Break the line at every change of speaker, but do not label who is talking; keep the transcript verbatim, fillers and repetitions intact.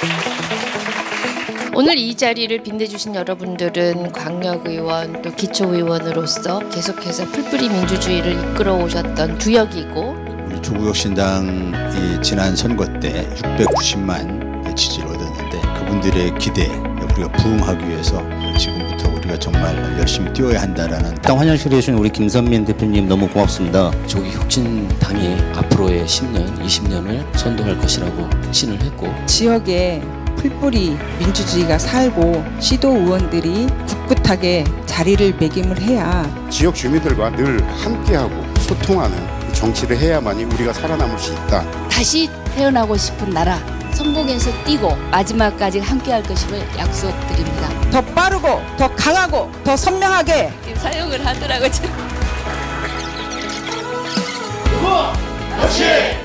오늘 이 자리를 빛내주신 여러분들은 광역의원 또 기초의원으로서 계속해서 풀뿌리 민주주의를 이끌어 오셨던 두역이고,
우리 조국혁신당이 지난 선거 때 육백구십만 지지를 얻었는데 그분들의 기대에 우리가 부응하기 위해서 지금부터 우리가 정말 열심히 뛰어야 한다라는.
당 환영식을 해주신 우리 김선민 대표님 너무 고맙습니다.
조국혁신당이 앞으로의 십 년, 이십 년을 선도할 것이라고 확신을 했고,
지역에 풀뿌리 민주주의가 살고 시도 의원들이 꿋꿋하게 자리를 매김을 해야
지역 주민들과 늘 함께하고 소통하는 정치를 해야만이 우리가 살아남을 수 있다.
다시 태어나고 싶은 나라, 성공해서 뛰고 마지막까지 함께할 것임을 약속드립니다.
더 빠르고 더 강하고 더 선명하게
사용을 하더라고요.
그거 역시